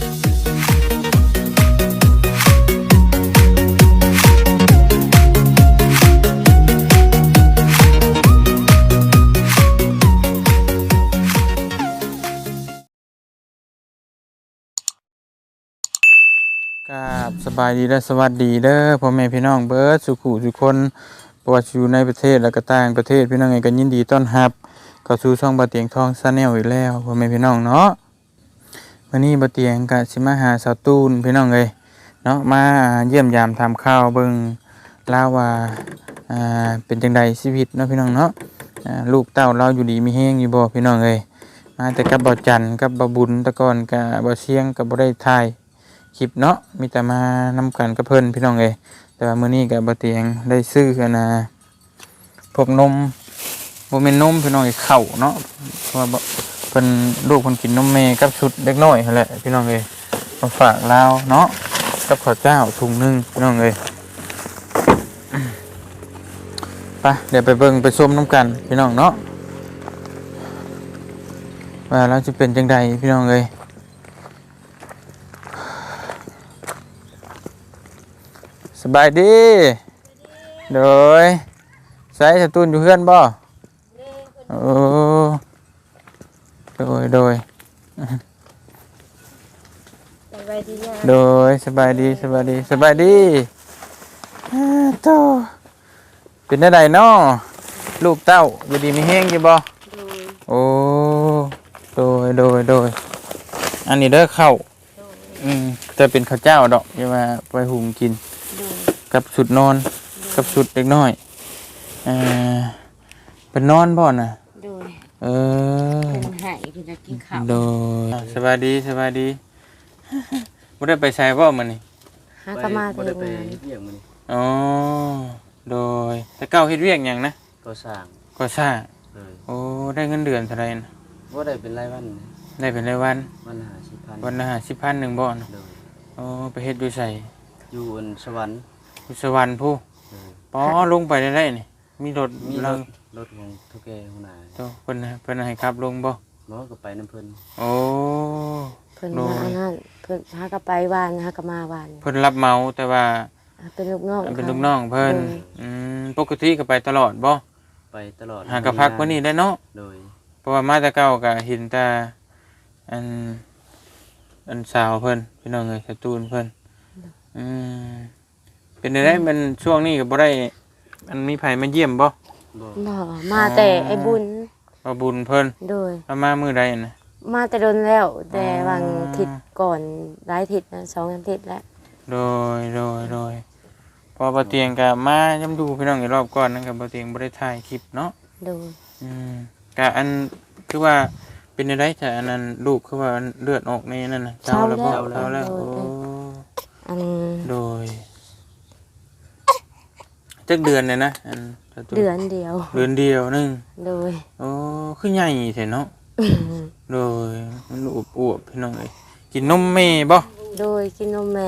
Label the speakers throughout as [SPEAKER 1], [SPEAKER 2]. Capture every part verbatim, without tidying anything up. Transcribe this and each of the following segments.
[SPEAKER 1] ครับสบายดีและสวัสดีเด้อพ่อแม่พี่น้องเบิร์ดสุขุทุกคนบ่ว่าอยู่ในประเทศและก็ต่างประเทศพี่น้องเองก็ยินดีต้อนรับเข้าสู่ช่องบ่เตียงทองชาแนลอีกแล้วพ่อแม่พี่น้องเนาะวันนี้บ่เตียงก็สิมาหาสาวตูนพี่น้องเอ้ยเนาะมาเยี่ยมยามทำข้าวเบิ่งลาวว่าอ่าเป็นจังไดชีวิตเนาะพี่น้องเนาะอ่าลูกเต้าเราอยู่ดีมีแฮงอยู่บ่พี่น้องเอ้ยมาแต่กับบ่จันกับบ่บุญแต่ก่อนก็บ่เสียงก็บ่ได้ถ่ายคลิปเนาะมีแต่มานำกันกับเพิ่นพี่น้องเอ้ยแต่ว่ามื้อนี้ก็บ่เตียงได้ซื้อกันนะพวกนมบ่แม่นนมพี่น้องเอ้ยข้าวเนาะเพราะว่าเพิ่นลูกเพิ่นกินนมแม่กับชุดเด็กน้อยนั่นแหละพี่น้องเอ้ยมาฝากลาวเนาะกับข้าวเจ้าถุงนึงพี่น้องเอ้ยไปเดี๋ยวไปเบิ่งไปชมน้ำกันพี่น้องเนาะว่าแล้วจะเป็นจังไดพี่น้องเอ้ยสบายดีโดยใส่สตูนอยู่เพื่อนบ่โอ้โดยโดย
[SPEAKER 2] สบายดีนะ
[SPEAKER 1] โดยสบายดีสบายดีสบายดีโตเป็นได้ไดเนาะลูกเต้าอยู่ดีมีแห้งอยู่บ่โอ้โดยโดยโดยอันนี้เด้อข้าวอืมจะเป็นข้าวเจ้าดอกอย่ามาไปหุงกินกับสุดนอนกับสุดเล็กน้อยเออเป็นนอนบ่น่ะ
[SPEAKER 2] โดย
[SPEAKER 1] เออ
[SPEAKER 2] เป็นหายเป็นจะกินข้าว
[SPEAKER 1] โดยสบายดีสบายดีบ่ได้ไปใช้บ่มื้อนี้
[SPEAKER 2] หากมาเฮ็ดงาน
[SPEAKER 1] อ๋อโดยแต่เก้าเฮ็ดเวียกหยังนะ
[SPEAKER 3] ก่อสร้าง
[SPEAKER 1] ก่อสร้างโอ้ได้เงินเดือนเท่าไหร่นะ
[SPEAKER 3] บ่ได้เป็นรายวัน
[SPEAKER 1] ได้เป็นรายวัน
[SPEAKER 3] วันละห้าสิบพัน
[SPEAKER 1] วันละห้าสิบพันหนึ่งบ่นะโอ้ไปเฮ็ดอยู่ไส
[SPEAKER 3] อยู่บนสวรรค์
[SPEAKER 1] อยู่สวรรค์ผู้ป๋อลงไปได้ได้นี่มีรถ
[SPEAKER 3] มีรถรถของทุกแก่หัวหน้า
[SPEAKER 1] โตเพิ่นเพิ่นให้ขับลงบ่
[SPEAKER 3] บ่ก็ไปนำเพิ่น
[SPEAKER 1] โอ้
[SPEAKER 2] เพิ่นมาอันนั้นเพิ่นหาก็ไปบ้านหาก็มาบ้าน
[SPEAKER 1] เพิ่นรับเหมาแต่ว่า
[SPEAKER 2] เป็นลูกน้อง
[SPEAKER 1] เป็นลูกน้องเพิ่นอืมปกติก็ไปตลอดบ่
[SPEAKER 3] ไปตลอด
[SPEAKER 1] หาก็พักมื้อนี้ได้เนาะ
[SPEAKER 3] โดย
[SPEAKER 1] เพราะว่ามาแต่เก่าก็เห็นแต่อันอันสาวเพิ่นพี่น้องเอ้ยสตูนเพิ่นอืมเป็นได้มันช่วงนี้ก็บ่ได้มันมีไผมาเยี่ยมบ่
[SPEAKER 2] บ่มาแต่ไอ้บุญ
[SPEAKER 1] บ่บุญเพิ่น
[SPEAKER 2] โดย
[SPEAKER 1] เอามามื้อใดน่ะ
[SPEAKER 2] มาแต่โดนแล้วแต่วันอาทิตย์ก่อนหลายอาทิตย์นะสองอาทิตย์แล้ว
[SPEAKER 1] โดยโดยโดยพอบ่เตียงก็มาย้ำดูพี่น้องอีกรอบก่อนนั่นก็บ่เตียงบ่ได้ถ่ายคลิปเนาะ
[SPEAKER 2] โดย
[SPEAKER 1] อืมก็อันคือว่าเป็นได้แต่อันนั้นลูกคือว่าเลือดออกในนั่นน่ะเจ้าแล้วบ่เจ้าแล้วโอ้
[SPEAKER 2] อัน
[SPEAKER 1] โดยจักเดือนเลยนะอัน
[SPEAKER 2] เดือนเดียว
[SPEAKER 1] เดือนเดียวนึง
[SPEAKER 2] โดย
[SPEAKER 1] โอ้คือใหญ่แท้เนาะโดยมันอวบๆพี่น้องเอ้ยกินนมแม่บ่
[SPEAKER 2] โดยกินนมแม่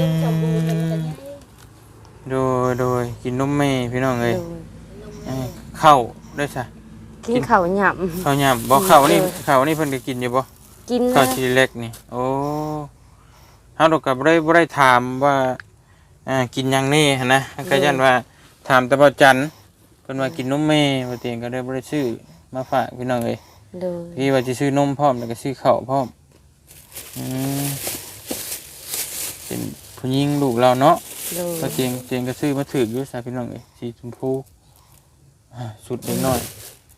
[SPEAKER 1] โดยโดยกินนมแม่พี่น้องเอ้ยข้าวได้ซะ
[SPEAKER 2] กินข้าวหยำ
[SPEAKER 1] ข้าวหยำบ่ข้าวนี่ข้าวนี่เพิ่นก็กินอยู่บ่
[SPEAKER 2] กิน
[SPEAKER 1] ข้าวชิ้นเล็กนี่โอ้เฮาดอกก็บ่ได้บ่ได้ถามว่าอ่ากินหยังนี่นะก็ยันว่าถามแต่บ่จันเพิ่นว่ากินนมแม่บ่เตียงก็ได้บ่ได้ซื้อมาฝากพี่น้องเอ้ย
[SPEAKER 2] โดย
[SPEAKER 1] ที่ว่าสิซื้อนมพร้อมแล้วก็ซื้อข้าวพร้อมอืมเป็นผู้หญิงลูกเราเนาะบ่เตียงเตียงก็ซื้อมาถูกอยู่ซะพี่น้องเอ้ยสีชมพูอ่าสุดเล็กน้อย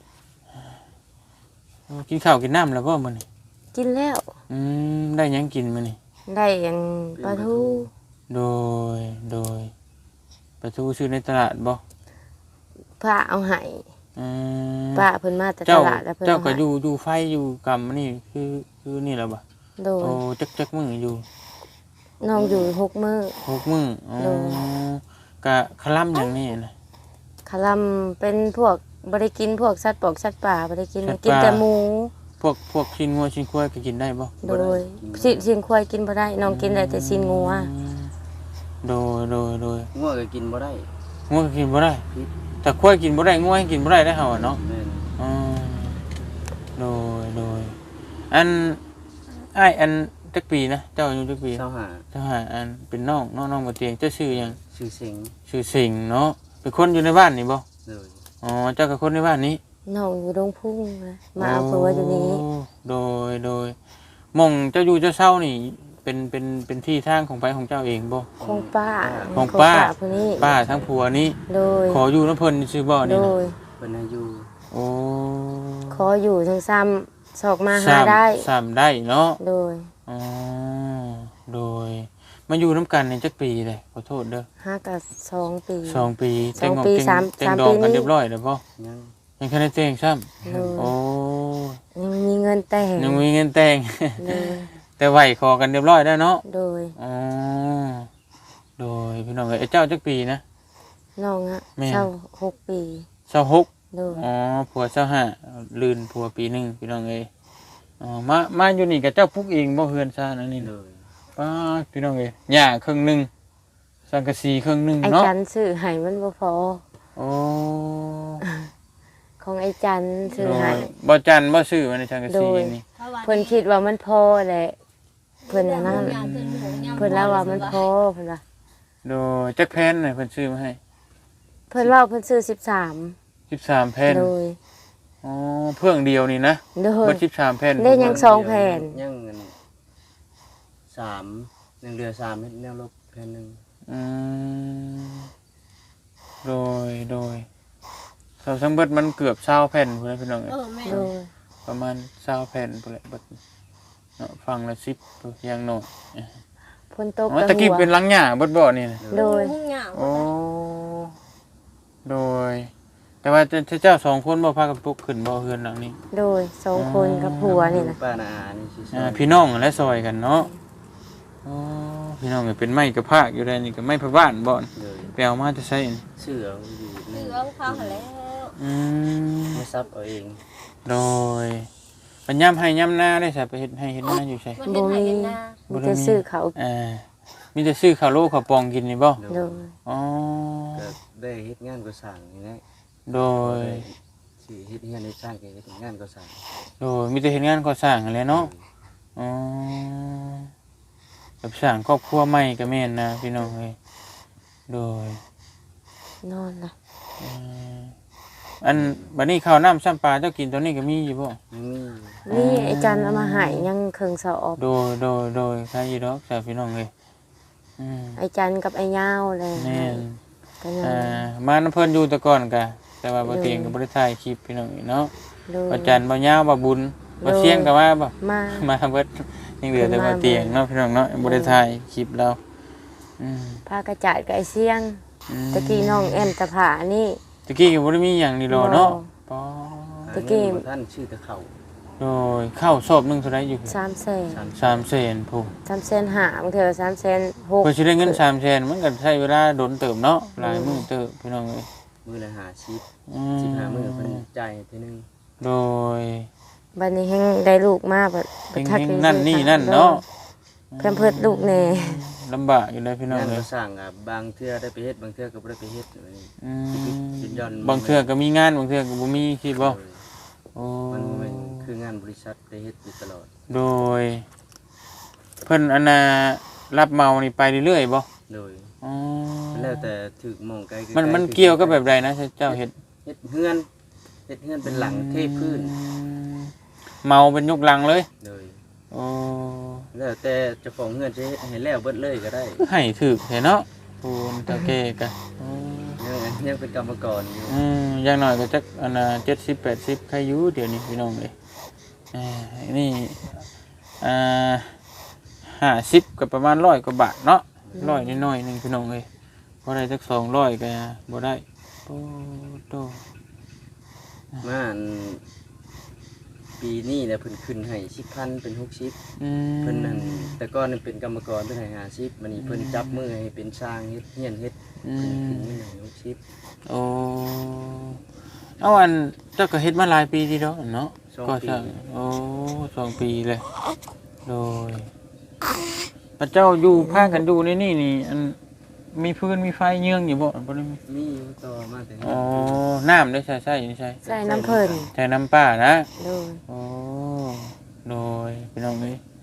[SPEAKER 1] กินข้าวกินน้ำแล้วบ่มื้อนี้
[SPEAKER 2] กินแล้ว
[SPEAKER 1] อืมได้หยังกินมื้อนี้
[SPEAKER 2] ได้อันปลาทู
[SPEAKER 1] โดยโดยปลาทูซื้อในตลาดบ่
[SPEAKER 2] พระเอาให้
[SPEAKER 1] อืม
[SPEAKER 2] ป้าเพิ่นมาแต่ตลาดแล้วเพิ่น
[SPEAKER 1] เจ้าก็อยู่อยู่ไฟอยู่กรรมนี่คือคือนี่แหละบ่
[SPEAKER 2] โดย
[SPEAKER 1] โอ้จักๆมื้ออยู่
[SPEAKER 2] น้องอยู่หกมื้อ
[SPEAKER 1] หกมื้ออ๋อกะคลำหยังนี่นะ
[SPEAKER 2] คลำเป็นพวกบ่ได้กินพวกสัตว์ปอกสัตว์ป่าบ่ได้กินกินแต่หมู
[SPEAKER 1] พวกพวกชิ้นงัวชิ้นควายก็กินได้บ่
[SPEAKER 2] โดยชิ้นชิ้นควายกินบ่ได้น้องกินได้แต่ชิ้นงัว
[SPEAKER 1] โดยโดยโดย
[SPEAKER 3] งัวก็กินบ่ได้
[SPEAKER 1] งัวก็กินบ่ได้แต่ควายกินบ่ได้งัวกินบ่ได้ได้เฮาเนาะอ๋อโดยโดยอันอ้ายอันจักปีนะเจ้าอายุจักปี
[SPEAKER 3] เศร้าหา
[SPEAKER 1] เจ้าหาอันเป็นน้องน้องน้องบ่เตียงเจ้าชื่อหยัง
[SPEAKER 3] ชื่อเสียง
[SPEAKER 1] ชื่อสิงห์เนาะเป็นคนอยู่ในบ้านนี่บ่
[SPEAKER 3] เลย
[SPEAKER 1] อ๋อเจ้าก็คนในบ้านนี้
[SPEAKER 2] น้องอยู่ดงพุ่งนะมาเอาผัวอยู่นี้
[SPEAKER 1] โโดยโดยหม่องเจ้าอยู่เจ้าเช่านี่เป็นเป็นเป็นที่ทางของไปของเจ้าเองบ่
[SPEAKER 2] คงป้า
[SPEAKER 1] ของป้า
[SPEAKER 2] ผู้นี้
[SPEAKER 1] ป้าทั้งผัวนี้
[SPEAKER 2] โดย
[SPEAKER 1] ขออยู่น้ำเพิ่นชื่อบ่
[SPEAKER 2] โด
[SPEAKER 1] นี่นะ
[SPEAKER 2] ย
[SPEAKER 3] เป็นอายุ
[SPEAKER 1] โอ้
[SPEAKER 2] ขออยู่ทั้งซ้ำสอกมาหา
[SPEAKER 1] สาม
[SPEAKER 2] ได้
[SPEAKER 1] สามได้เนาะ
[SPEAKER 2] โดย
[SPEAKER 1] อ๋อโดยมาอยู่น้ำกันในจักปีเลยขอโทษเด้อ
[SPEAKER 2] ห้ากับสองปี
[SPEAKER 1] สองปี
[SPEAKER 2] สองปี
[SPEAKER 1] แต่ง
[SPEAKER 2] สาม
[SPEAKER 1] แต่ง
[SPEAKER 2] สาม
[SPEAKER 1] ดอง
[SPEAKER 2] ปี
[SPEAKER 1] กัน
[SPEAKER 2] นี้
[SPEAKER 1] เรียบร้อยแล้วบ่
[SPEAKER 3] ยัง
[SPEAKER 1] ยังแค่ได้แต่งซ้ำ
[SPEAKER 2] โดย
[SPEAKER 1] โอ้
[SPEAKER 2] ยังไม่มีเงินแต่ง
[SPEAKER 1] ยังมีเงินแต่ง
[SPEAKER 2] โดย
[SPEAKER 1] แต่ไหวขอกันเรียบร้อยแล้วเนาะ
[SPEAKER 2] โดย
[SPEAKER 1] อ๋อโดยพี่น้องเอ้ยไอ้เจ้าจักปีนะ
[SPEAKER 2] น้องอะ
[SPEAKER 1] แม่
[SPEAKER 2] เช่าหกปี
[SPEAKER 1] เศร้าหก
[SPEAKER 2] โดย
[SPEAKER 1] อ๋อผัวเศร้าห้าลืนผัวปีหนึ่งพี่น้องเอ้ยอ๋อมามาอยู่นี่กับเจ้าพุกเองบ่เฮือนซ่านอันนี้
[SPEAKER 3] เล
[SPEAKER 1] น่ะ
[SPEAKER 3] ย
[SPEAKER 1] ป้าดพี่น้องเอ้ยหญ้าครึ่งหนึงสังกะสีครึ่งหนึง
[SPEAKER 2] ไอ้
[SPEAKER 1] เนาะ
[SPEAKER 2] จันซื้อให้มันบ่พอ
[SPEAKER 1] โอ้
[SPEAKER 2] ของไอ้จันซื้อ
[SPEAKER 1] โด
[SPEAKER 2] ให้
[SPEAKER 1] ยบ่จันบ่ซื้อมาในสังกะสี
[SPEAKER 2] โดย
[SPEAKER 1] นี่
[SPEAKER 2] เพิ่นคิดว่ามันพอแหละเพิ่นอันนั้นเพิ่นเล่าว่ามันพอเพิ่นว่า
[SPEAKER 1] โดยจักแผ่นน่ะเพิ่นซื้อมาให้
[SPEAKER 2] เพิ่นเล่าเพิ่นซื้อสิบสาม
[SPEAKER 1] สิบสามแผ่น
[SPEAKER 2] โดย
[SPEAKER 1] อ๋อเพื่องเดียวนี่นะ
[SPEAKER 2] โดย
[SPEAKER 1] เบิดสิบสามแผ่น
[SPEAKER 2] ได้ยัง สองแผ่น
[SPEAKER 3] ยังเงินสามยังเหลือสามเม็ดแนวลบแผ่นหนึ่ง
[SPEAKER 1] อืมโดยโดยเราทั้งเบิดมันเกือบเศร้าแผ่นพุ่นแหละพี่น้องเอ้ย
[SPEAKER 4] เออแม่
[SPEAKER 2] โดย
[SPEAKER 1] ประมาณเศร้าแผ่นพุ่นแหละเบิดเนาะฟังละสิบอย่างน้อย
[SPEAKER 2] ฝนตก
[SPEAKER 1] อ๋อ
[SPEAKER 2] กับ
[SPEAKER 1] ตะกี้
[SPEAKER 2] หัว
[SPEAKER 1] เป็นหลังหญ้าเบิดบ่นี่นะ
[SPEAKER 2] โดย
[SPEAKER 4] มุ่งเหงา
[SPEAKER 1] โอ้โดย แต่ว่าเจ้าเจ้าสองคนบ่พากันปลุกขึ้นบ่เฮือนหลังนี้
[SPEAKER 2] โดยสองคนกับผัวนี่นะ
[SPEAKER 3] ป้านาอานี่ชื่อ
[SPEAKER 1] อ่าพี่น้องและซอยกันเนาะโอ้พี่น้องก็เป็นไม้กระพากอยู่ได้นี่ก็ไม้พะบ้านบ่อน
[SPEAKER 3] เลย
[SPEAKER 1] ไปเอามาจะใช้อัน
[SPEAKER 3] เสืออยู่
[SPEAKER 4] เห
[SPEAKER 3] นี่
[SPEAKER 4] ลืองเขาหันแล้ว
[SPEAKER 1] อืม
[SPEAKER 3] ไม่ซับเอาเอง
[SPEAKER 1] โดยปัญญามให้ย่ำหน้าได้ใส่ไปเฮ็ดให้เฮ็ดหน้าอยู่ใช่
[SPEAKER 4] มันเป็นไหเป็นนา
[SPEAKER 2] มีแต่ซื้อเขา
[SPEAKER 1] อ่ามีแต่ซื้อข้าวโลข้าวปองกินนี่บ่
[SPEAKER 2] โดย
[SPEAKER 1] อ๋อ
[SPEAKER 3] ก็ได้เฮ็ดงานก็สั่งนี่แหละ
[SPEAKER 1] โดย
[SPEAKER 3] สิเฮ็ดงานในสร้างก็เฮ็ดงานก็สั่ง
[SPEAKER 1] โดยมีแต่เฮ็ดงานก่อสร้างนั่นแหละเนาะอ๋อแบบสร้างครอบครัวใหม่ก็แม่นนะพี่น้องเอ้ยโดย
[SPEAKER 2] นอนละ
[SPEAKER 1] อืมอันบัดนี้ข้าวน้ำซ้ำปลาเจ้ากินตอนนี้ก็มีอยู่บ่
[SPEAKER 3] ยังมี
[SPEAKER 2] นี่ไอ้จันเอามาให้ยังเครื่องสอบ
[SPEAKER 1] โดยโดยโดยใครอยู่ดอกจ้าพี่น้องเอ้ยอืม
[SPEAKER 2] ไอ้จันกับไอ้ยาวเลย
[SPEAKER 1] แม่น
[SPEAKER 2] ก็ยัง
[SPEAKER 1] อ่ามาน้ำเพิ่นอยู่แต่ก่อนกะแต่ว่าบ่เตียงก็บ่ได้ถ่ายคลิปพี่น้องเอ้ยเนาะ
[SPEAKER 2] โดย
[SPEAKER 1] บ่จันทร์บ่ยาวบ่บุญบ่เสียงก็มาบ่
[SPEAKER 2] มา
[SPEAKER 1] มาเบิดยังเหลือแต่บ่เตียงเนาะพี่น้องเนาะบ่ได้ถ่ายคลิปเราอืม
[SPEAKER 2] พากระจาดกับไอ้เสียง
[SPEAKER 1] อืม
[SPEAKER 2] ตะกี้น้องแอมตะผานี่
[SPEAKER 1] ตะกี้ก็บ่ได้มีหยังนี่ดอกเนาะปอ
[SPEAKER 2] ตะกี้
[SPEAKER 3] หาเงินบ่ท่านชื่อตะเขา
[SPEAKER 1] โดยข้าวสอบหนึงเท่าไหร่อยู่
[SPEAKER 2] สามแสน
[SPEAKER 3] สาม
[SPEAKER 1] สามแสนพุ่น
[SPEAKER 2] สามแสนห้าบางเทื่อสามแสนหก
[SPEAKER 1] เพิ่นสิได้เงินสามแสนมันก็ใช้เวลาโดนเติมเนาะหลายมื้อเติบพี่น้องเอ้ย
[SPEAKER 3] มือละหาชิป
[SPEAKER 1] อื
[SPEAKER 3] สิบห้ามือเพิ่นจ่ายทีนึง
[SPEAKER 1] โดย
[SPEAKER 2] บัดนี้แฮงได้ลูกมาบัด
[SPEAKER 1] เฮงๆนั่นนี่นั่นเนาะ
[SPEAKER 2] เพิ่นเพิ่นลูกแน่
[SPEAKER 1] ลำบากอยู่เลยพี่น้อง
[SPEAKER 3] งาน
[SPEAKER 1] เล
[SPEAKER 3] ก็
[SPEAKER 1] ย
[SPEAKER 3] สร้างอ่ะบางเทื่อได้ไปเฮ็ดบางเทื่อก็บ่ได้ไปเฮ็ดเลย
[SPEAKER 1] อืม
[SPEAKER 3] ยินยอม
[SPEAKER 1] บางเทื่อก็มีงานบางเทื่อก็บ่มีคิดบ่โอ้
[SPEAKER 3] มันบ่แม่นคืองานบริษัทได้เฮ็ดอยู่ตลอด
[SPEAKER 1] โดย เพิ่นอันน่ะรับเหมานี่ไปเรื่อยๆบ่
[SPEAKER 3] โดย
[SPEAKER 1] อ๋อ
[SPEAKER 3] แล้วแต่ถึกหมองไกล
[SPEAKER 1] มันมันเกี่ยวกับแบบใดนะเจ้าเฮ็ด
[SPEAKER 3] เฮ็ดเฮือนเฮ็ดเฮือนเป็นหลังเทพื้น
[SPEAKER 1] อืมเมาเป็นยกลังเลย
[SPEAKER 3] โดย
[SPEAKER 1] โอ้
[SPEAKER 3] แล้วแต่เจ้าของเฮือนจะเฮ็ดให้แล้วเบิดเลยก็ได้
[SPEAKER 1] ให้ถึกแท้เนาะปูนตะเกกะโอ้
[SPEAKER 3] ยังยังเป็นกรรมกรอยู่
[SPEAKER 1] อืมอย่างน้อยก็จักอันน่ะเจ็ดสิบ แปดสิบใครอยู่เดี๋ยวนี้พี่น้องเอ้ยอ่านี่อ่าห้าสิบก็ประมาณร้อยกว่าบาทเนาะร้อยน้อยๆหนึงพี่น้องเอ้ยบ่ได้จักสองร้อยก็บ่ได้โอ้โต
[SPEAKER 3] มาอันปีนี้แหละเพิ่นขึ้นให้สิบพันเป็นหกสิบ
[SPEAKER 1] อืม
[SPEAKER 3] เพิ่นนั่นแต่ก่อนนั่นเป็นกรรมกรเพิ่นให้ห้าสิบมื้อนี้เพิ่นจับมือให้เป็นช่างเฮ็ดเฮียนเฮ็ด
[SPEAKER 1] อื
[SPEAKER 3] เพิ่นขึ้น
[SPEAKER 1] ม
[SPEAKER 3] เงินให้หกสิบ
[SPEAKER 1] โอ้เอาอันเจ้าก็เฮ็ดมาหลายปีทีเดียวเนาะ
[SPEAKER 3] สอง
[SPEAKER 1] ก็
[SPEAKER 3] ปี
[SPEAKER 1] ใช่โอ้สองปีเลยโดยพระเจ้าอยู่พากันอยู่ในนี่นี่อันมีพื้นมีไฟเยื่องอยู่บ่บ่ได้มี
[SPEAKER 3] มีอยู่ต่อมาแต่
[SPEAKER 1] อ๋อน้ำได้ใช่ใช่นี่ใช่
[SPEAKER 2] ใส่น้ำเพิ่น
[SPEAKER 1] ใช่น้ำป้านะ
[SPEAKER 2] โดย
[SPEAKER 1] โอ้โดยพี่น้องเอ้ย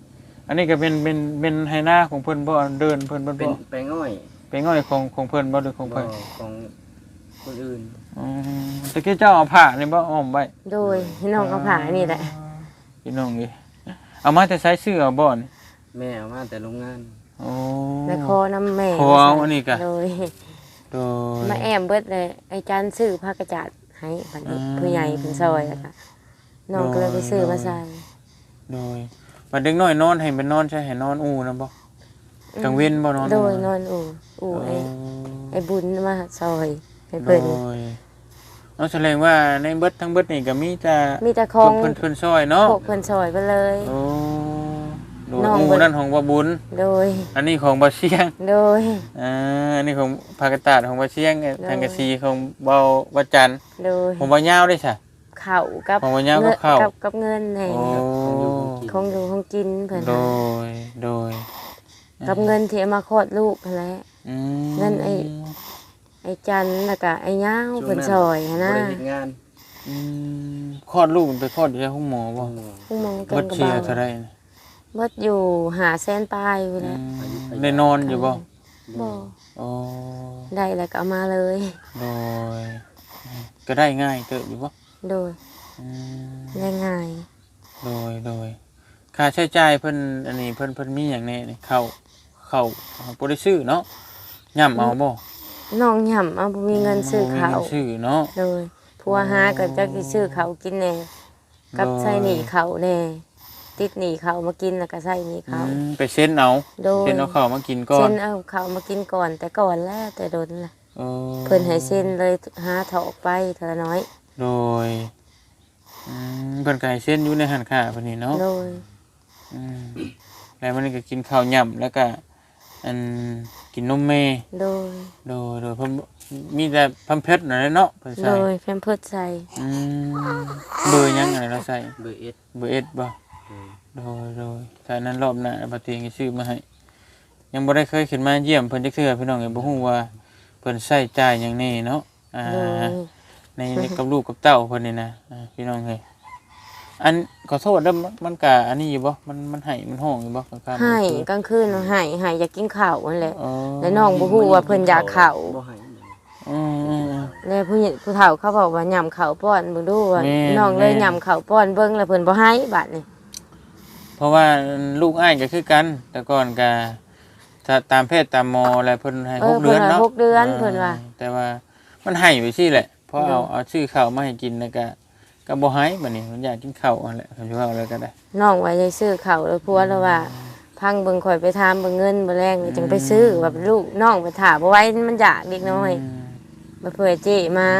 [SPEAKER 1] อันนี้ก็เป็นเป็นเป็นไหหน้าของเพิ่นบ่เดินเพิ่นบ่
[SPEAKER 3] เป็นแปลงอ้อย
[SPEAKER 1] เป็นง่อยของของเพิ่นบ่หรือของ
[SPEAKER 3] บ่
[SPEAKER 1] เพิ่น
[SPEAKER 3] ของคนอื่น
[SPEAKER 1] อืมตะกี้เจ้าเอาผ้านี่บ่อ้อมไว้
[SPEAKER 2] โดยพี่น้องก็ผ่านี่แหละ
[SPEAKER 1] พี่น้องดิเอามาแต่ใช้ซื้อเอาบ่นี่
[SPEAKER 3] แม่เอามาแต่โรงงาน
[SPEAKER 1] โอ้
[SPEAKER 2] แม่คอน้ำแม่
[SPEAKER 1] ขอเอาอันนี้กะ
[SPEAKER 2] โดย
[SPEAKER 1] โดย
[SPEAKER 2] มาแอมเบิดเลยไอ้จันซื้อผ้ากระจาดให้บัดนี้
[SPEAKER 1] อืม
[SPEAKER 2] ผู้ใหญ่เป็นซอยแล้วก็น้องก็เลยไปซื้อมาใส่
[SPEAKER 1] โดยบัดเด็กน้อยนอนให้เป็นนอนใช่ให้นอนอูนะบ่กลางเว้นบ่นอน
[SPEAKER 2] โดยนอนอู่อู่
[SPEAKER 1] โอ้
[SPEAKER 2] ไอ้ไอ้บุญมาซอยให้
[SPEAKER 1] โด
[SPEAKER 2] เพิ่น
[SPEAKER 1] ยเอาแสดงว่าในเบิดทั้งเบิดนี่ก็มีแต่
[SPEAKER 2] มีแต่ของ
[SPEAKER 1] เพิ่นเพิ่นซอยเนาะ
[SPEAKER 2] พวกเพิ่นซอยไปเลย
[SPEAKER 1] โอ้โดย
[SPEAKER 2] น้อง
[SPEAKER 1] อู
[SPEAKER 2] เบิด
[SPEAKER 1] นั่นของบ่บุญ
[SPEAKER 2] โดย
[SPEAKER 1] อันนี้ของบ่เชียง
[SPEAKER 2] โดย
[SPEAKER 1] อ่าอันนี้ของภาคตาดของบ่เชียง
[SPEAKER 2] โดย
[SPEAKER 1] ทางกะซีของเบาบ่จันทร์
[SPEAKER 2] โดย
[SPEAKER 1] ของบ่ยาวได้ซะ
[SPEAKER 2] ข้าวกับ
[SPEAKER 1] ของบ่ยาวกับ
[SPEAKER 2] เงิน
[SPEAKER 1] ข้าว
[SPEAKER 2] กับกับเงินให้
[SPEAKER 1] โอ้
[SPEAKER 2] ของอยู่ของกินเพิ่น
[SPEAKER 1] โด
[SPEAKER 2] ให้
[SPEAKER 1] ยโดย
[SPEAKER 2] กับเงินที่เอามาคลอดลูกนั่นแหละ
[SPEAKER 1] อืม
[SPEAKER 2] เงินไอ้ ไอ้จันแล้วก็ไอ้ย่าวเพิ่นซอยหั้น
[SPEAKER 3] บ่
[SPEAKER 2] นะ
[SPEAKER 3] ได้เฮ็ดงาน
[SPEAKER 1] อืมคลอดลูกมันไปคลอดอยู่ที่ห้องหมอบ่
[SPEAKER 2] ผู้มองกั
[SPEAKER 1] เบิ
[SPEAKER 2] น
[SPEAKER 1] ด
[SPEAKER 2] กับ
[SPEAKER 1] เชีย
[SPEAKER 2] เบา
[SPEAKER 1] ร์เท่าไรนะ
[SPEAKER 2] เบิดอยู่หาแสนปลายอยู่
[SPEAKER 1] อื
[SPEAKER 2] แล้ว
[SPEAKER 1] มได้นอนอยู่บ่
[SPEAKER 2] บ่
[SPEAKER 1] โอ้
[SPEAKER 2] ได้แล้วก็เอามาเลย
[SPEAKER 1] โดยก็ได้ง่ายเติบอยู่บ่
[SPEAKER 2] โดย
[SPEAKER 1] อืม
[SPEAKER 2] ได้ง่าย
[SPEAKER 1] โดยโดยค่าใช้จ่ายเพิ่นอันนี้เพิ่นเพิ่นมีหยังแน่นี่เข้าเข้าบ่ได้ซื้อเนาะย่ำเอาบ่
[SPEAKER 2] น้องหย่ำเอาบ่มีเงินซื้อข้าว
[SPEAKER 1] บ่มีเงินซื้อเนาะ
[SPEAKER 2] โดยผัวหาก็จักสิซื้อข้าวกินแน่กับ
[SPEAKER 1] โดย
[SPEAKER 2] ใช้หนี้ข้าวแน่ติดหนี้ข้าวมากินแล้วก็ใช้หนี้
[SPEAKER 1] อื
[SPEAKER 2] ข้าว
[SPEAKER 1] มไปเซ็นเอา
[SPEAKER 2] โดย
[SPEAKER 1] เซ็นเอาข้าวมากินก่อ
[SPEAKER 2] เส้
[SPEAKER 1] น
[SPEAKER 2] นเอาข้าวมากินก่อนแต่ก่อนแล้วแต่โดนล่ะ
[SPEAKER 1] โอ้
[SPEAKER 2] เพิ่นให้เส้นเลยหาถอกไปเท่าน้อย
[SPEAKER 1] โดยอืมเพิ่นก็ให้เซ็นอยู่ในหันค้าเพิ่นนี่เนาะ
[SPEAKER 2] โดย
[SPEAKER 1] อืมแล้วมันก็กินข้าวย่ำแล้วก็อันกินนมแม่
[SPEAKER 2] โดย
[SPEAKER 1] โดยโดยเพิ่นมีแต่พัมเพชรนั่นแหละเนาะเพิ่น
[SPEAKER 2] โด
[SPEAKER 1] ใส่
[SPEAKER 2] ยแพมเพิร์สใส่
[SPEAKER 1] อืมเบอร์หยังอะไรเราใส่
[SPEAKER 3] เบอร์เอส
[SPEAKER 1] เบอร์เอสบ่
[SPEAKER 3] เออ
[SPEAKER 1] โดยโดยใส่นั้นรอบหน้าบัดนี้ก็ซื้อมาให้ ยังบ่ได้เคยขึ้นมาเยี่ยมเพิ่นจักเทื่อพี่น้องก็บ่ฮู้ว่าเพิ่นใช้จ่ายหยังแน่เนาะอ่า
[SPEAKER 2] โดย
[SPEAKER 1] ในในกับลูกกับเต้าเพิ่นนี่นะอ่าพี่น้องเอ้ยอันขอโทษเด้อมันมันก็อันนี้อยู่บ่มันมันให้มันห้องอยู่บ่กลางค่ำ
[SPEAKER 2] ให้
[SPEAKER 1] กลางคืน
[SPEAKER 2] กลางคืนให้ให้อยากกินข้าวนั่นแหละ
[SPEAKER 1] อ๋อ
[SPEAKER 2] แล้วน้องบ่ฮู้ว่าเพิ่นอยากข้าว
[SPEAKER 3] บ่ให้
[SPEAKER 1] อืมอืมอืม
[SPEAKER 2] แล้วผู้ใหญ่ผู้เฒ่าเขาบอกว่าย่ำข้าวป้อนเบิ่งดูว่า
[SPEAKER 1] แม่น
[SPEAKER 2] น้องเลย
[SPEAKER 1] แม่น
[SPEAKER 2] ย่ำข้าวป้อนเบิ่งแล้วเพิ่นบ่ให้บัดนี้
[SPEAKER 1] เพราะว่าลูกอ้ายก็คือกัน แต่ก่อนก็ถ้าตามเพศตามหมออะไรเพิ่นให้
[SPEAKER 2] เอ
[SPEAKER 1] ห
[SPEAKER 2] อก
[SPEAKER 1] เดื
[SPEAKER 2] เพิ่
[SPEAKER 1] อน น
[SPEAKER 2] ว่า
[SPEAKER 1] เนาะ
[SPEAKER 2] หกเดือนเพิ่นว่า
[SPEAKER 1] แต่ว่ามันให้ไปซี่แหละเพราะเอา
[SPEAKER 2] เนาะ
[SPEAKER 1] เอาชื่อข้าวมาให้กินแล้วก็ก็บ่ให้บัดนี้มันอยากกินข้าวนั่นแหละเขาสิว่าอะไรก็ได้
[SPEAKER 2] น้องว่าจะซื้อข้าวแล้วผัวแล้วว่า พังเบิ่งข่อยไปถามเบิ่งเงินบ่แรงเลยจังไปซื้อว่าเป็นลูกน้องไปถามบ่ไหว้มันอยากเด็กน้อยมาเผื่อเจ้มา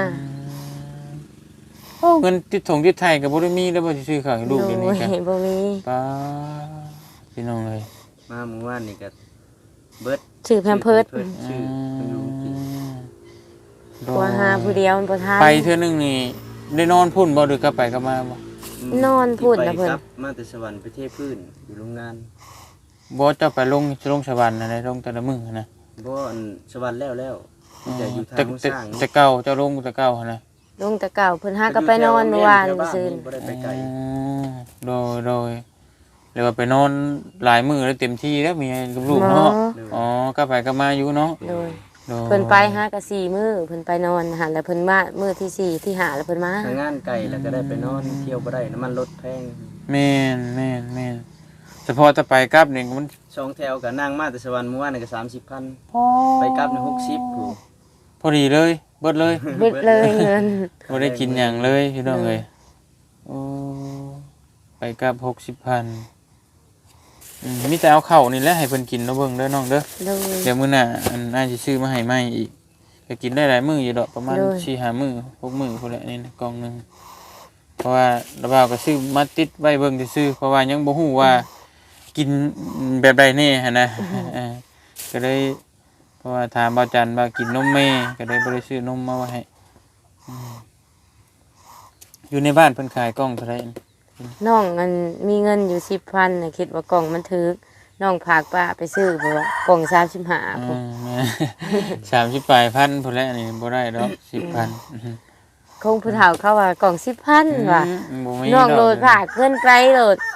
[SPEAKER 1] โอ้เงินติดถงติดไทยก็บ่ได้มีแล้วบ่สิซื้อข้าวให้ลูกเดี๋ยวนี้
[SPEAKER 2] โด
[SPEAKER 1] กัน
[SPEAKER 2] ยบ่มี
[SPEAKER 1] ป้าพี่น้องเอ้ย
[SPEAKER 3] มาเมื่อวานนี่ก็เบิด
[SPEAKER 2] ซื้อแพมเพิร์ส
[SPEAKER 3] ชื่อเพิ่นอยู่กิน
[SPEAKER 2] ผัวหาผู้เดียวมันบ่ทัน
[SPEAKER 1] ไปเทื่อนึงนี่ได้นอนพุ่นบ่หรือกลับไปกลับมาบ่
[SPEAKER 2] นอนพูดนะ
[SPEAKER 3] ที่
[SPEAKER 2] เพิ่น
[SPEAKER 3] ไปครับมาแต่สวรรค์ไปเทพื้นอยู่โรงงาน
[SPEAKER 1] บ่เจ้าไปลงลงสวรรค์นั่นแหละลงแต่ละมื้อนะ
[SPEAKER 3] บ่อันสวรรค์แล้วแล้วมีแต่อยู่ทาง
[SPEAKER 1] แต่
[SPEAKER 3] ผู้
[SPEAKER 1] แต่
[SPEAKER 3] สร้าง
[SPEAKER 1] แต่เก่าเจ้าลงแต่เก่าหั่นนะ
[SPEAKER 2] ลงแต่เก่าเพิ่นหาก็ไปนอนเมื่อวาน
[SPEAKER 3] แถบ้
[SPEAKER 2] ซื่น
[SPEAKER 3] บ่ได้ไปไกล
[SPEAKER 1] อ๋อโดยโดยเรียกว่าไปนอนหลายมื้อแล้วเต็มที่แล้วมีกับลูกเนาะอ๋อกลับไปกลับมาอยู่เนาะ
[SPEAKER 2] โดย
[SPEAKER 1] โดย
[SPEAKER 2] เพิ่นไปหาก็สี่มื้อเพิ่นไปนอนหันแล้วเพิ่นมามื้อที่สี่ที่ห้าแล้วเพิ่นมา
[SPEAKER 3] ทางงานไกลแล้วก็ได้ไปนอนเที่ยวบ่ได้น้ำมันรถแพง
[SPEAKER 1] แม่นแม่นแม่นเฉพาะจะไปกลับนี่มัน
[SPEAKER 3] สองแถวก็นั่งมาแต่สวรรค์เมื่อวานนี่ก็สามสิบพันไปกลับนี่หกสิบผู้
[SPEAKER 1] พอดีเลยเบิดเลย
[SPEAKER 2] เบิดเลยเงิน
[SPEAKER 1] บ่ได้กินหยังเลยพี่น้องเอ้ยโอ้ไปกลับหกสิบพันอืมมีแต่เอาเข้าวนี่แหละให้เพิ่นกินเนาะเบิ่งเด้อน้องเด้อ
[SPEAKER 2] โดย
[SPEAKER 1] เดี๋ยวมื้อหน้าอันน่าสิซื้อมาให้ใหม่อีกก็กินได้หลายมื้ออยู่ดอกประมาณ
[SPEAKER 2] โดย
[SPEAKER 1] สี่ห้ามื้อหกมื้อพุ่นแหละนี่นะกล่องหนึงเพราะว่าระบ่าวก็ซื้อมาติดไว้เบิ่งซื่อๆเพราะว่ายังบ่ฮู้ว่ากินแบบใดแน่หั่นนะเออก็เลยเพราะว่าถามบ่าวจันว่ากินนมแม่ก็เลยบ่ได้ซื้อนมมาไว้ให้อืมอยู่ในบ้านเพิ่นขายกล่องเท่าไหร่
[SPEAKER 2] น้องมันมีเงินอยู่สิบพันน่ะคิดว่ากล่องมันถึกน้องพากป้าไปซื้อเพราะว่ากล่องสามสิบห้า
[SPEAKER 1] อื
[SPEAKER 2] พุ่น
[SPEAKER 1] ม สามสิบปลายพันพุ่นแหละนี่บ่ได้ดอกสิบพัน
[SPEAKER 2] คงผู้เฒ่าเขาว่ากล่องสิบพันว่ะ
[SPEAKER 1] อืมบ่มี
[SPEAKER 2] น้องโหลด
[SPEAKER 1] ก
[SPEAKER 2] ผากเงินไกลโหลด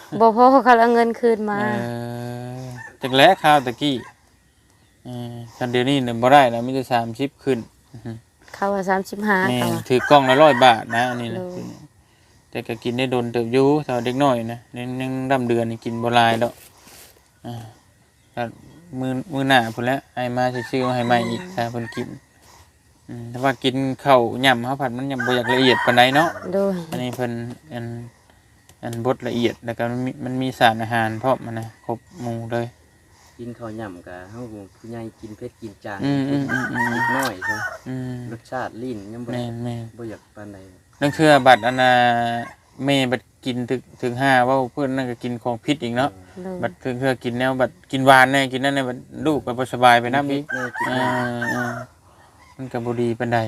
[SPEAKER 2] บ่พอเขาเอาเงินคืนมา
[SPEAKER 1] เออจักแล้ข้าวตะกี้เออคันเดี๋ยวนี้เนี่ยบ่ได้แล้วมีแต่สามสิบขึ้น
[SPEAKER 2] เขาว่าสามสิบห้า
[SPEAKER 1] แม่
[SPEAKER 2] เขา
[SPEAKER 1] น
[SPEAKER 2] ว่า
[SPEAKER 1] ถือกล้องละร้อยบาทนะอันนี้นะ
[SPEAKER 2] โดย
[SPEAKER 1] แต่ก็กินได้โดนเติบอยู่แต่ว่าเด็กน้อยนะยังยังดำเดือนนี่กินบ่หลายดอกอ่าก็มือมือหน้าพุ่นแหล้วไอ้มาซื้อๆมาให้ใหม่อีกถ้าเพิ่นกินอืมแต่ว่ากินข้าวย่ำข้าวผัดมันยังบ่อยากละเอียดปานใดเนาะ
[SPEAKER 2] โดย
[SPEAKER 1] อันนี้เพิ่นอันอันบดละเอียดแล้วก็มันมีมันมีสารอาหารพร้อมมันนะครบหมู่เลย
[SPEAKER 3] กินข้าวหย่ำกับเฮาผู้ใหญ่กินเผ็ดกินจาง
[SPEAKER 1] อืมอืมอืมอืม
[SPEAKER 3] นิดน้อยใช่
[SPEAKER 1] อืม
[SPEAKER 3] รสชาติลิ้นยังบ่
[SPEAKER 1] แม่นแม่น
[SPEAKER 3] บ่อยากปานใด
[SPEAKER 1] นั่นคือบัตรอันน่ะแม่บัดกินถึงถึงห้าเว่าเพิ่นนั่นก็กินของพิษอีกเนาะ
[SPEAKER 2] โดย
[SPEAKER 1] บัดคือคือกินแนวบัดกินหวานแน่กินนั่นแน่บัดลูกก็บ่สบายไปนำอีก
[SPEAKER 3] แม่กิน
[SPEAKER 1] อ่าอ่ามันก็บ่ดีปานใด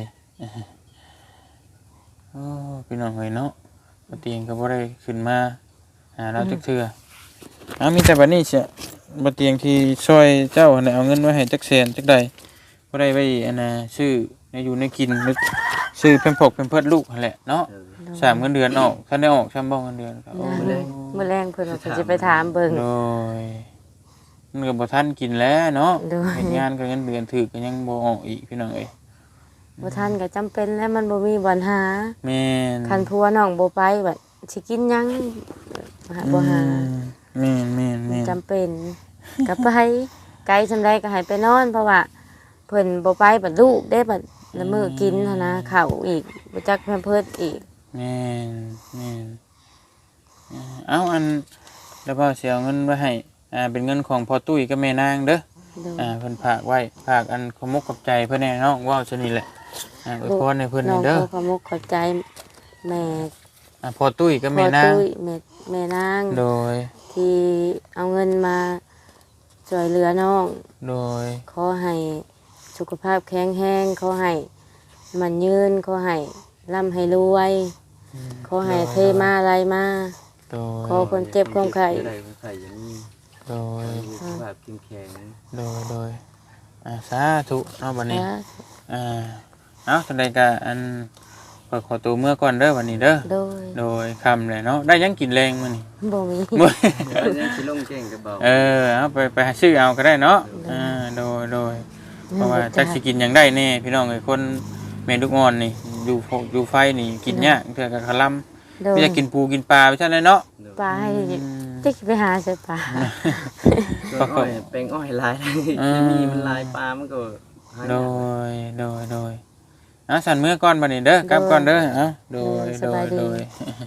[SPEAKER 1] โอ้พี่น้องเอ้ยเนาะบ่เตียงก็บ่ได้ขึ้นมาหาเราจักเทื่ออ้ามีแต่บัดนี้เสียบ่เตียงที่ช่วยเจ้าหั่นน่ะเอาเงินไว้ให้จักแสนจักใดบ่ได้ไว้อันน่ะซื้อในอยู่ในกินนึกซื้อเพิ่นพกเพิ่นเพิ่นลูกหั่นแหละเนาะ
[SPEAKER 3] เออ
[SPEAKER 1] สามเงินเดือนออกท่านได้ออกช่ำบ้องเงินเดือนครับ
[SPEAKER 3] โอ้
[SPEAKER 2] นะ
[SPEAKER 3] มื้อแลง
[SPEAKER 2] มื้อแรงเพิ่นว่าเพิ่นสิไปถามเบิ่ง
[SPEAKER 1] โดยมันก็บ่ทันกินแล้วเนาะ
[SPEAKER 2] โดย
[SPEAKER 1] เฮ็ดงานก็เงินเดือนถือก็ยังบ่ออกอีกพี่น้องเอ้ย
[SPEAKER 2] บ่ทันก็จำเป็นแล้วมันบ่มีบ่อนหา
[SPEAKER 1] แม่น
[SPEAKER 2] คันผัวน้องบ่ไปบัดสิกินหยังหาบ่หา
[SPEAKER 1] แม่นแม่นแม่น
[SPEAKER 2] จำเป็นก็ไปไกลซำใดก็ให้ไปนอน เพราะว่าเพิ่นบ่ไปบัดลูกได้บัดละมื้อกินหันนะข้าวอีกบ่จักแพมเพิร์สอีก
[SPEAKER 1] แม่นแม่นอ่าเอ้าอันแล้วพ่อสิเอาเงินไว้ให้อ่าเป็นเงินของพ่อตุ้ยกับแม่นางเด้อ
[SPEAKER 2] โดย
[SPEAKER 1] อ่าเพิ่นฝากไว้ฝากอันขอมกขอบใจเพิ่นแน่เนาะว้าวซะนี่แหละอ่าอวยพรให้เพิ่น
[SPEAKER 2] น้
[SPEAKER 1] นี่
[SPEAKER 2] อง
[SPEAKER 1] เด้อ
[SPEAKER 2] ขอขอบมุกขอบใจแม่
[SPEAKER 1] อ่าพ่อตุ้ยกับ
[SPEAKER 2] พ่
[SPEAKER 1] แม่
[SPEAKER 2] อน
[SPEAKER 1] าง
[SPEAKER 2] ตุ้ยแม่แม่นาง
[SPEAKER 1] โดย
[SPEAKER 2] ที่เอาเงินมาช่วยเหลือน้อง
[SPEAKER 1] โดย
[SPEAKER 2] ขอให้สุขภาพแข็งแรงขอให้มันยืนขอให้ร่ำให้รวยขอให้เทมาอะไรมา
[SPEAKER 1] โดย
[SPEAKER 2] ขอคนเจ็บคนไข้
[SPEAKER 3] ได้คนไข้อย่างนี้
[SPEAKER 1] โดย
[SPEAKER 3] สุขภาพเข้มแข็ง
[SPEAKER 1] โดย โดย อ่า สาธุเนาะวันนี้
[SPEAKER 2] นะ
[SPEAKER 1] อ่า เอาแสดงการอันขอขอตัวเมื่อก่อนเด้อวันนี้เด้อ
[SPEAKER 2] โดย
[SPEAKER 1] โดยคำเลยเนาะ ได้ยังกินแรงมื้อนี้
[SPEAKER 2] บ่มี
[SPEAKER 1] บ่
[SPEAKER 3] เดี๋ยวนี้สิลงแจ้งกับเบา
[SPEAKER 1] เออ เอาไปไปหาซื้อเอาก็ได้เนาะ อ่า โดย โดย เพราะว่าจักสิกินหยังได้แน่พี่น้องไอ้คนแม่ลูกอ่อนนี่อยู่โฟอยู่ไฟนี่กินยากเทื่อก็คลำ
[SPEAKER 2] โดย
[SPEAKER 1] ไม่อยากกินปูกินปลาไปซั่นเลยเนาะ
[SPEAKER 2] ปลาให้
[SPEAKER 1] อืม
[SPEAKER 2] จะไปหาใส่ปลา
[SPEAKER 3] ส่วนอ้อยแปลงอ้อยลายได้
[SPEAKER 1] อืม
[SPEAKER 3] มีมันลายปลามันก็หาย
[SPEAKER 1] โด
[SPEAKER 3] าก
[SPEAKER 1] ย โดย โดยอ่ะสั่นเมื่อก่อนบัดนี้เด้อกลับก่อนเด้อเอ้าโดย โดย โดย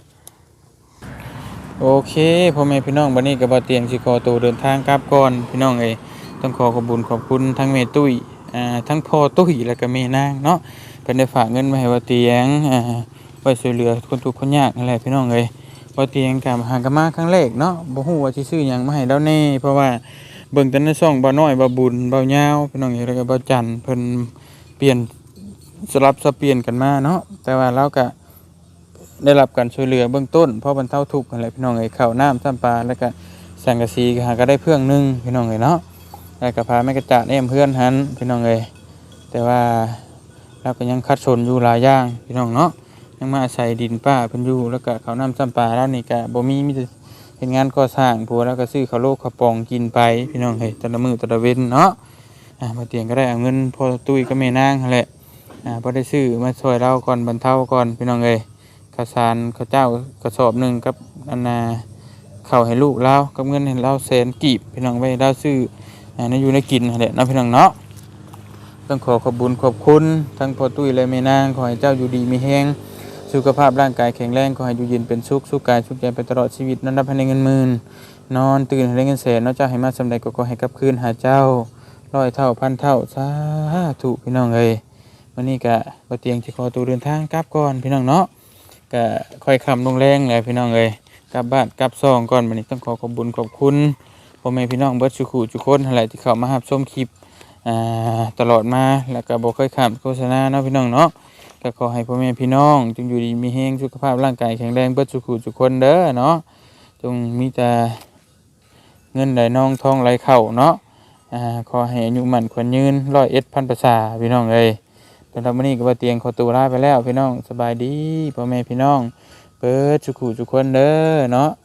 [SPEAKER 1] โอเคพ่อแม่พี่น้องบัดนี้ก็บ่เตียงสิขอตัวเดินทางกลับก่อนพี่น้องเอ้ยต้องขอขอบคุญขอบคุณทั้งแม่ตุ้ยอ่าทั้งพ่อตุ้ยแล้วก็แม่นางเนาะเพิ่นได้ฝากเงินมาให้บ่เตียงอ่าไว้ช่วยเหลือคนทุกข์คนยากนั่นแหละพี่น้องเอ้ยบ่เตียงก็หากนมาครั้งแรกเนาะบ่ฮู้ว่าสิซื้อหยังมาให้แล้วแน่เพราะว่าเบิ่งแต่ในช่องบ่น้อยบ่บุญบ่ยาวพี่น้องเอ้ยแล้วก็บ่จันทร์เพิ่นเปลี่ยนสลับสับเปลี่ยนกันมาเนาะแต่ว่าเราก็ได้รับการช่วยเหลือเบื้องต้นเพราะบรรเทาทุกข์นั่นแหละพี่น้องเอ้ยข้าวน้ำซ้ำปลาแล้วก็สังกะสีก็หาก็ได้เพื่องหนึงพี่น้องเอ้ยเนาะแล้วก็พาแม่กระจาดแอมเพื่อนหันพี่น้องเอ้ยแต่ว่าเราก็ยังคัดสนอยู่หลายอย่างพี่น้องเนาะยังมาอาศัยดินป้าเพิ่นอยู่แล้วก็ข้าวน้ำซ้ำปลาแล้วนี่ก็บ่มีมีแต่เฮ็ดงานก่อสร้างผัวแล้วก็ซื้อข้าวโลกข้าวปองกินไปพี่น้องเอ้ยแต่ละมื้อแต่ละเว้นเนาะอ่ามาเตียงก็ได้เอาเงินพ่อตุ้ยกับแม่นางนั่นแหละอ่าบ่ได้ซื้อมาช่วยเราก่อนบรรเทาก่อนพี่น้องเอ้ย ข้าวสารข้าวเจ้ากระสอบหนึ่งกับอันนาข้าวให้ลูกเรากับเงินให้เราแสนกีบพี่น้องไว้เราซื้ออ่าในอยู่ในกินนั่นแหละเนาะพี่น้องเนาะต้องขอขอบคุญขอบคุณทั้งพ่อตุ้ยและแม่นางขอให้เจ้าอยู่ดีมีแรงสุขภาพร่างกายแข็งแรงขอให้อยู่เย็นเป็นสุขสุขกายสุขใจไปตลอดชีวิตนั้นรับให้ได้เงินหมื่นนอนตื่นให้ได้เงินแสนเนาะเจ้าให้มาสำใดก็ขอให้กลับคืนหาเจ้าร้อยเท่าพันเท่าสาธุพี่น้องเอ้ยวันนี้ก็บ่เตียงสิขอตัวเดินทางกลับก่อนพี่น้องเนาะ ก็ค่อยคำลงแรงเลยพี่น้องเอ้ยกลับบ้านกลับซองก่อนวันนี้ต้องขอขอบคุญขอบคุณพ่อแม่พี่น้องเบิดสุขุทุกคนอะไรที่เข้ามารับชมคลิปอ่าตลอดมาแล้วก็บ่ค่อยข้ามโฆษณาเนาะพี่น้องเนาะก็ขอให้พ่อแม่พี่น้องจงอยู่ดีมีแรงสุขภาพร่างกายแข็งแรงเบิดสุขุทุกคนเด้อเนาะจงมีแต่เงินไหลนองทองไหลเข้าเนาะอ่าขอให้อายุมั่นขวัญยืนร้อยเอ็ดพันประสาพี่น้องเอ้ย สำหรับวันนี้ก็บ่เตียงขอตัวลาไปแล้วพี่น้องสบายดีพ่อแม่พี่น้องเปิดสุขุทุกคนเด้อเนาะ